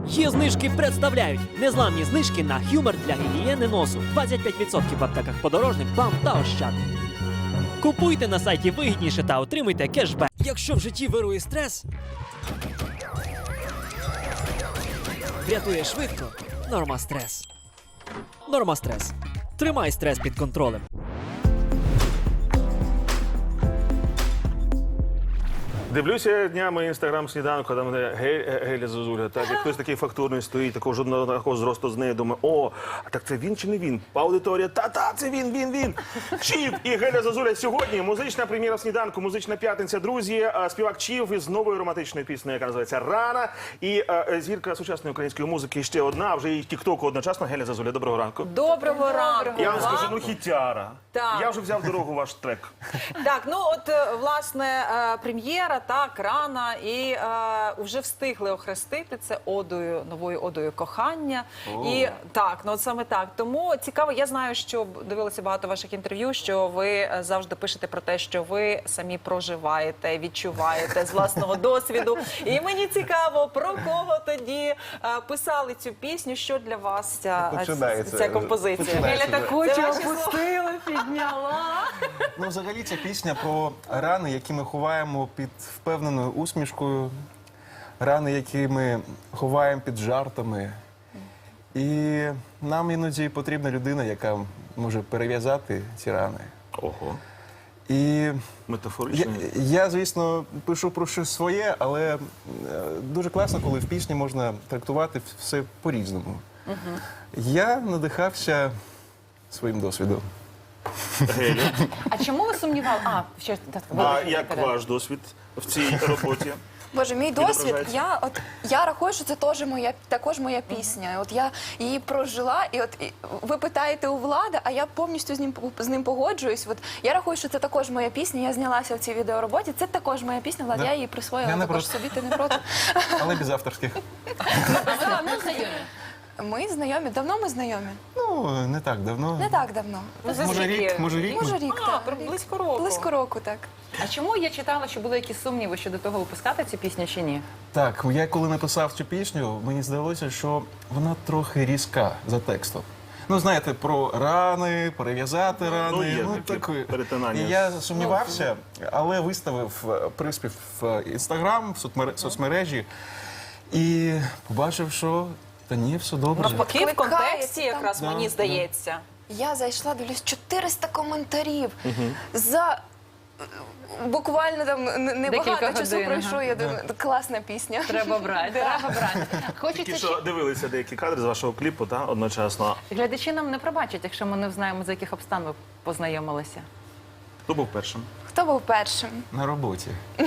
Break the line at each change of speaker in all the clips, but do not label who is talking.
Є знижки представляють незламні знижки на Humor для гігієни носу. 25% в аптеках Подорожник, БАМ та Ощад. Купуйте на сайті вигідніше та отримуйте кешбек. Якщо в житті вирує стрес, врятує швидко Нормастрес. Нормастрес. Тримай стрес під контролем.
Дивлюся днями інстаграм-сніданку, там де Геля Зозуля, так, як хтось такий фактурний стоїть, такого жодного такого зросту з нею, думаю, о, а так це він чи не він? Аудиторія, та-та, це він. Чів і Геля Зозуля сьогодні. Музична прем'єра сніданку, музична п'ятниця, друзі. Співак Чів із новою романтичною піснею, яка називається «Рана». І зірка сучасної української музики ще одна, а вже і в тіктоку одночасно. Геля Зозуля, доброго ранку.
Доброго ранку.
Я вам скажу, ну хітяра.
Так.
Я вже взяв дорогу ваш трек.
Так, ну от, власне, прем'єра, так, «Рана», і вже встигли охрестити це одою, новою одою кохання. І так, ну от саме так. Тому цікаво, я знаю, що дивилася багато ваших інтерв'ю, що ви завжди пишете про те, що ви самі проживаєте, відчуваєте з власного досвіду. І мені цікаво, про кого тоді писали цю пісню, що для вас ця композиція. Геля так очі опустила, підняла.
Ну, взагалі, ця пісня про рани, які ми ховаємо під впевненою усмішкою, рани, які ми ховаємо під жартами. І нам іноді потрібна людина, яка може перев'язати ці рани.
Ого.
І
Метафорично.
я, звісно, пишу про щось своє, але дуже класно, коли в пісні можна трактувати все по-різному. Я надихався своїм досвідом.
Геля.
А чому ви сумнівали?
А як ваш досвід в цій роботі?
Боже, мій досвід,
Відображається.
я рахую, що це також моя пісня. От я її прожила, і ви питаєте у Влада, а я повністю з ним погоджуюсь. От я рахую, що це також моя пісня. Я знялася в цій відеороботі. Це також моя пісня, Влад,
Да.
я її присвоїла
Я не
також
проти.
собі, ти не проти?
Але без авторських.
Ну, знайомі.
Ми знайомі, давно ми знайомі?
Ну, не так давно.
Не так давно.
Може рік, може рік.
Може рік, так.
Близько року.
Близько року, так.
А чому я читала, що були якісь сумніви щодо того, випускати цю пісню чи ні?
Так, я коли написав цю пісню, мені здалося, що вона трохи різка за текстом. Ну, знаєте, про рани, перев'язати рани.
є таке
таке.
перетинання.
І я сумнівався, але виставив приспів в Інстаграм, в соцмережі і побачив, що та ні, все добре.
Навпаки, в контексті
Кликається там.
якраз,
Да,
мені
да.
здається.
Я зайшла, дивлюсь, 400 коментарів за буквально там
Декілька
небагато часу
годин,
пройшло.
ага.
Я думаю, класна пісня.
Треба брати, треба брати.
Тільки
Хочеться,
що дивилися деякі кадри з вашого кліпу, та, одночасно.
глядачі нам не пробачать, якщо ми не знаємо, за яких обстан ви познайомилися.
Хто був першим?
Хто був першим?
На роботі.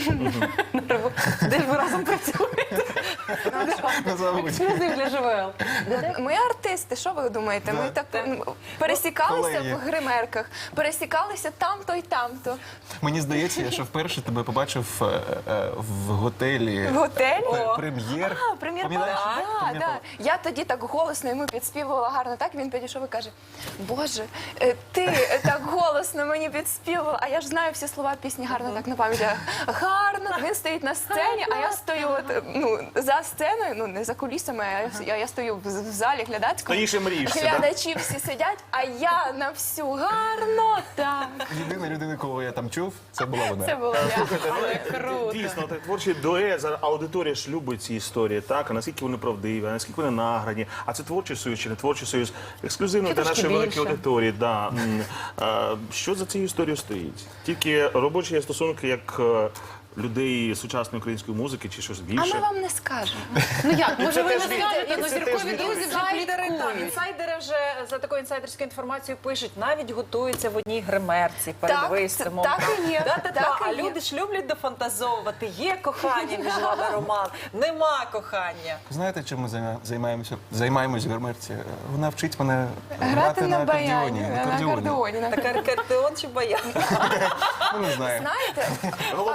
Де ж ви разом працюєте?
На заводі.
Ексклюзив для ЖВЛ.
Ми артисти, що ви думаєте? Ми так пересікалися
колеги.
в гримерках, пересікалися там-то і там-то.
Мені здається, я ще вперше тебе побачив в готелі.
В готелі?
Прем'єр.
Прем'єр
Пам'ятаєш?
Так, так. Я тоді так голосно йому підспівувала гарно. Так він підійшов і каже: Боже, ти так голосно мені підспівувала, а я ж знаю всі слова пісні гарно так на пам'ять. Гарно. Він стоїть на сцені, а я стою за сценою, ну не за кулісами, а я стою в залі глядацькому.
Стоїш і мрієш, да?
Глядачі всі сидять, а я на всю гарно так.
Єдина людина, кого я там чув, це була вона.
Це було я.
Круто.
Дійсно, так, творчий дует, зараз аудиторія ж любить ці історії, так? А наскільки вони правдиві, а наскільки вони награні. А це творчий союз чи не творчий союз? Ексклюзивно
Чи
для
трошки
нашої великої
більше?
аудиторії. Да. Що за цією історією стоїть? Тільки робочі стосунки як людей сучасної української музики чи щось
А
більше?
ми вам не скажемо.
Ну як, може ви не
теж
скажете, ну
це теж
зіркові
відповідь.
друзі вже пліткують.
Інсайдери вже за такою інсайдерською інформацією пишуть, навіть готуються в одній гримерці перед
Так,
виступом.
так і є.
Да-та-та.
Так і
А
є.
люди ж люблять дофантазовувати. Є кохання між вами, Роман, нема кохання.
Знаєте, чим ми займаємось в гримерці? Вона вчить мене
Грати на
акордеоні.
баяні, на акордеоні.
Так акордеон чи баян?
Ну, не знаю.
Знаєте,
Головне правильно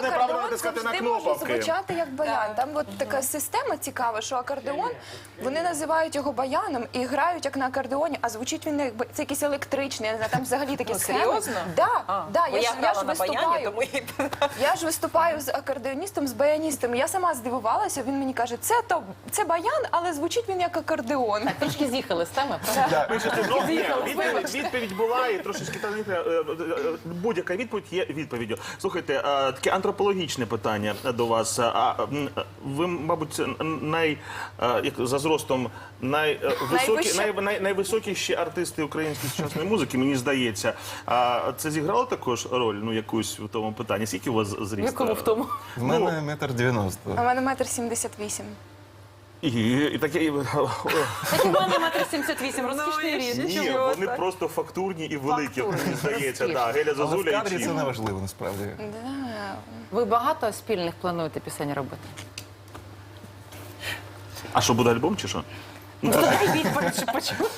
натискати на
завжди може
кнопки.
звучати як баян. Там от така система цікава, що акордеон, вони називають його баяном і грають як на акордеоні, а звучить він як це якийсь електричний, я не знаю, там взагалі такі схеми.
Серйозно?
Да,
Бо
я ж
грала на баяні,
виступаю.
тому і...
Я ж виступаю з акордеоністом, з баяністом. Я сама здивувалася. Він мені каже, це баян, але звучить він як акордеон.
Трішки з'їхали з теми, правда?
Ну, ні, відповідь була, і трошечки будь-яка відповідь є відповіддю. Слухайте, таке антропологічне питання до вас. Ви, мабуть, за зростом найвисокіші артисти української сучасної музики, мені здається. Це зіграло також роль, ну, якусь в тому питанні? Скільки у вас зріст?
Якому в тому?
В мене 1,90
У
м.
мене 1,78 м.
І таке...
Так у мене 1,78 м, розкішний ріст.
Ні, вони просто фактурні і великі, мені здається. Да, Геля
Але в
Зозуля
кадрі
і
це
Чім.
не важливо, насправді.
Ви багато спільних плануєте пісень робити?
А що, буде альбом чи що?
Дай відповідь, що почув.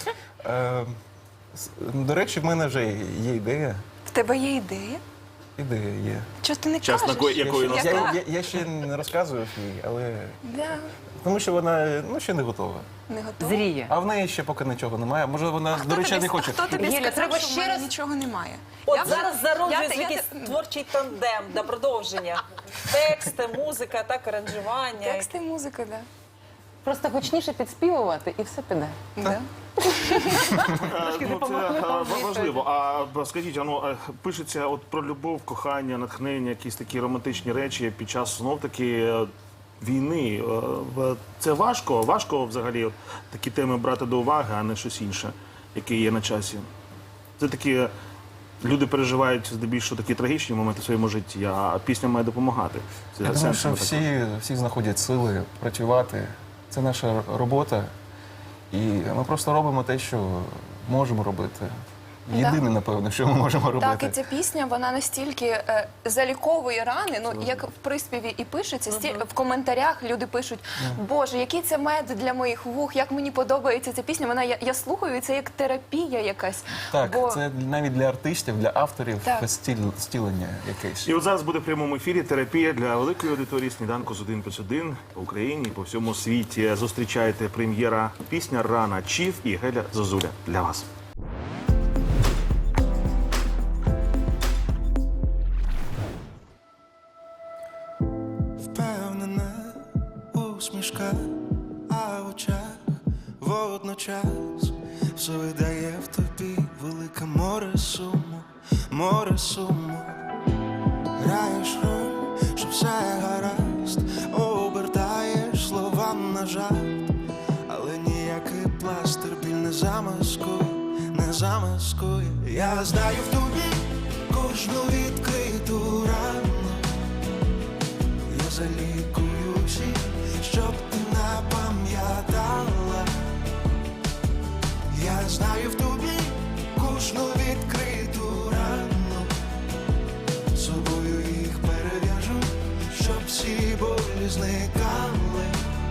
До речі, в мене вже є ідея.
В тебе є ідея?
Ідея є.
Чого ти не
Час
кажеш?
якої настав?
Я ще не розказував їй, але
Да,
тому що вона ще не готова.
не готова.
Зріє.
А в неї ще поки нічого немає. Може, вона, до речі, не хоче.
Хто тобі
Геля,
сказав,
треба
що в
ще
мене
раз-
нічого немає?
От
Я вже-
зараз зароджується
я-
якийсь творчий тандем для продовження. Тексти, музика, так, аранжування.
Тексти, музика, да.
Просто гучніше підспівувати і все піде.
Да.
Ну, це важливо. А скажіть, пишеться от про любов, кохання, натхнення, якісь такі романтичні речі під час знов-таки війни. Це важко? Важко взагалі от такі теми брати до уваги, а не щось інше, яке є на часі? Це такі... Люди переживають здебільшого такі трагічні моменти в своєму житті, а пісня має допомагати. Це
Я думаю,
сенсом
що
також.
всі знаходять сили працювати. Це наша робота. І ми просто робимо те, що можемо робити. Єдине, напевно, що ми можемо робити.
Так, і ця пісня, вона настільки заліковує рани, ну, як в приспіві і пишеться, в коментарях люди пишуть, Боже, який це мед для моїх вух, як мені подобається ця пісня. Вона, я слухаю, і це як терапія якась.
Так,
Бо-
це навіть для артистів, для авторів
Так.
стілення якесь.
І от зараз буде в прямому ефірі терапія для великої аудиторії «Сніданку з 1+1» по Україні, по всьому світі. Зустрічайте прем'єра пісня «Рана» Чіф і Геля Зозуля для вас.
Впевнена усмішка, а в очах водночас все видає в тобі велике море суму. Граєш роль, що все гаразд, обертаєш слова на жарт, але ніякий пластир біль не замаскує. Я знаю в тобі кожну відкриту рану. Я залікую всі, щоб ти не пам'ятала. Я знаю в тобі кожну відкриту рану. Собою їх перев'яжу, щоб всі болі зникали.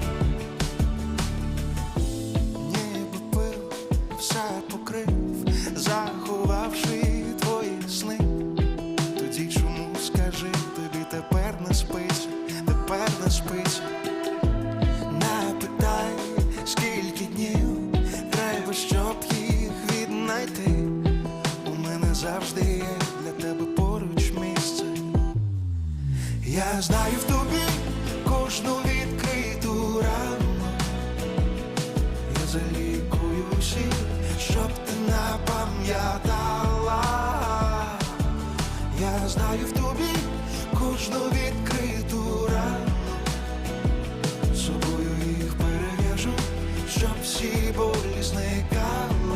Ніби пил все покрив, заховавши твої сни. Тоді чому, скажи, тобі тепер не спиться, Не питай, скільки днів треба, щоб їх віднайти. У мене завжди є для тебе поруч місце. Я знаю в тобі кожну відкриту рану. Я залікую всі, щоб ти не пам'ятала. Я знаю в тобі кожну відкриту рану. Собою їх перев'яжу, щоб всі болі зникали.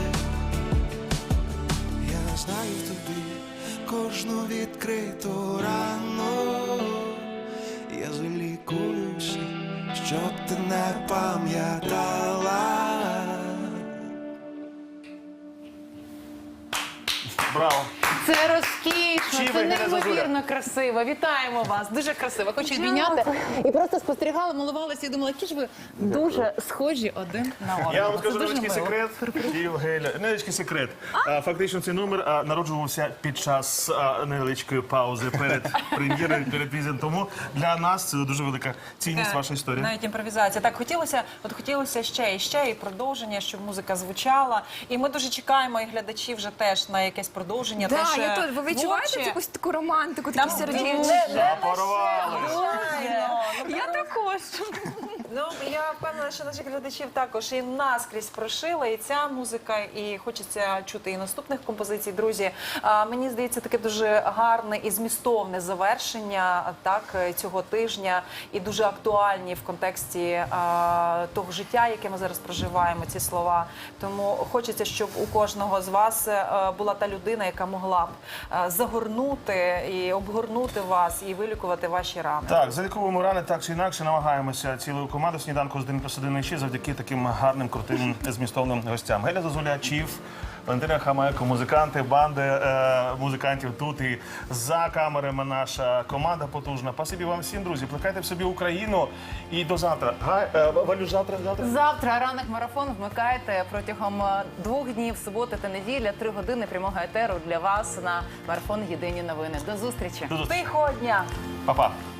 Я знаю в тобі кожну відкриту рану. Я залікую всі, щоб ти не пам'ятала.
Браво!
Це розкішно,
Чи
це
ви, Геля Зозуля?
неймовірно красиво. Вітаємо вас. Дуже красиво. Хочу обійняти. І просто спостерігала, милувалася і думала, які ж ви дуже схожі один на одного.
Я вам
Це
скажу
дуже
невеличкий
мило.
секрет. Геля, невеличкий секрет. Фактично цей номер народжувався під час невеличкої паузи перед прем'єрою, перед візитом. Тому для нас це дуже велика цінність ваша історія.
Навіть імпровізація. Так, хотілося ще і ще, і продовження, щоб музика звучала. І ми дуже чекаємо, і глядачі вже теж на якесь продовження.
Да,
теж,
я тут, ви відчуваєте
творче.
якусь таку романтику, такі
Там
сердечки?
Запорвали.
Я також.
Ну, я впевнена, що наших глядачів також і наскрізь прошила, і ця музика, і хочеться чути і наступних композицій. Друзі, мені здається, таке дуже гарне і змістовне завершення цього тижня, і дуже актуальні в контексті того життя, яке ми зараз проживаємо, ці слова. Тому хочеться, щоб у кожного з вас була та людина, яка могла б загорнути і обгорнути вас, і вилікувати ваші рани.
Так, заліковуємо рани так чи інакше, намагаємося цілою командою сніданку з 1+1 ще завдяки таким гарним, крутим, змістовним гостям. Геля Зозуля, Чіф, Валентина Хамайко, музиканти, банди музикантів тут і за камерами наша команда потужна. Спасибі вам всім, друзі. Плекайте в собі Україну і до завтра. Валюш, завтра?
Завтра ранок марафон вмикайте протягом 2 днів, суботи та неділя, 3 години прямого етеру для вас на марафон Єдині новини. До зустрічі.
Тихого дня!
Па-па.